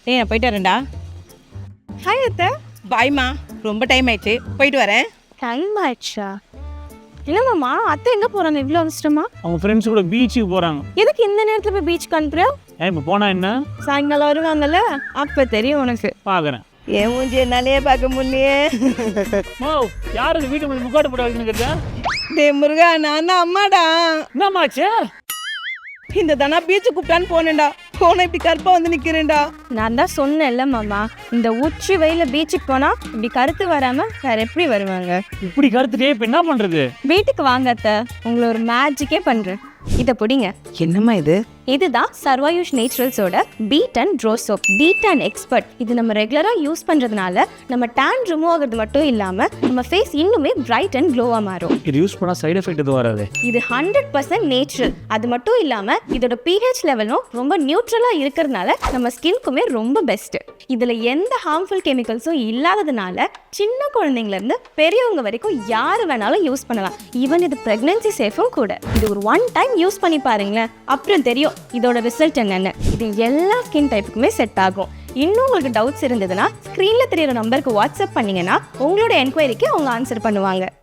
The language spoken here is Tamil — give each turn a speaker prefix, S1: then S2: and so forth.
S1: டேய் நான் போயிட்டு வரேன்டா.
S2: ஹாய் அத்தை.
S1: பாய்மா, ரொம்ப டைம் ஆயிடுச்சு, போயிட்டு வரேன்.
S2: டைம் ஆயிடுச்சா? என்னம்மாம்மா அத்தை எங்கே போகிறாங்க இவ்வளோ அவசரமா?
S3: அவங்க ஃப்ரெண்ட்ஸ் கூட பீச்சுக்கு போகிறாங்க.
S2: எதுக்கு இந்த நேரத்தில் போய் பீச்சுக்கு அனுப்புற?
S3: இப்போ போனால் என்ன?
S2: சாயங்காலம் வருவாங்கல்ல, அப்போ தெரியும் உனக்கு.
S3: பார்க்குறேன்.
S1: என் மூஞ்சி என்னாலே பார்க்க முடியலையே.
S3: ஓ, யார் அது வீட்டு மேலே முக்காடு போட்டு வைக்கணுங்கிறதா?
S1: டே முருகா, நான் தான் அம்மாடா.
S3: என்னம்மாச்சு?
S1: இந்த தானா பீச்சு கூப்பிட்டான்னு போனேன்டா, போன இப்படி கருப்பா வந்து நிக்கிறேன்டா.
S2: நான் தான் சொன்னேன்ல மாமா, இந்த உச்சி வெயில பீச்சுக்கு போனால் இப்படி கருத்து வராமல் வேற எப்படி வருவாங்க?
S3: இப்படி கருத்துட்டே இப்போ என்ன பண்ணுறது?
S2: வீட்டுக்கு வாங்க அத்தை, உங்களை ஒரு மேஜிக்கே பண்ணுறேன். இதை பிடிங்க.
S1: என்னம்மா இது?
S2: இதுதான் சர்வாயுஷ் நேச்சுரல்ஸோட பீட் அண்ட் ட்ரோ சோப். Beet and expert. இது நம்ம ரெகுலராக யூஸ் பண்ணுறதுனால நம்ம டேன் ரிமூவ் ஆகிறது மட்டும் இல்லாமல் நம்ம ஃபேஸ் இன்னுமே பிரைட் அண்ட் க்ளோவாக மாறும்.
S3: இது யூஸ் பண்ணால் சைடு எஃபெக்ட் எதுவும் வராது.
S2: இது 100% நேச்சுரல். அது மட்டும் இல்லாமல் இதோட pH லெவலும் ரொம்ப நியூட்ரலாக இருக்கிறதுனால நம்ம ஸ்கின்க்குமே ரொம்ப பெஸ்ட்டு. இதில் எந்த ஹார்ம்ஃபுல் கெமிக்கல்ஸும் இல்லாததுனால சின்ன குழந்தைங்கலேருந்து பெரியவங்க வரைக்கும் யார் வேணாலும் யூஸ் பண்ணலாம். ஈவன் இது ப்ரெக்னென்சி சேஃபும் கூட. இது ஒரு 1 டைம் யூஸ் பண்ணி பாருங்களேன், அப்புறம் தெரியும் இதோட ரிசல்ட் என்னென்னு. இது எல்லா ஸ்கின் டைப்புக்குமே செட் ஆகும். இன்னும் உங்களுக்கு டவுட்ஸ் இருந்ததுன்னா ஸ்க்ரீனில் தெரியிற நம்பருக்கு வாட்ஸ்அப் பண்ணிங்கன்னா உங்களோட என்கொயரிக்கு அவங்க ஆன்சர் பண்ணுவாங்க.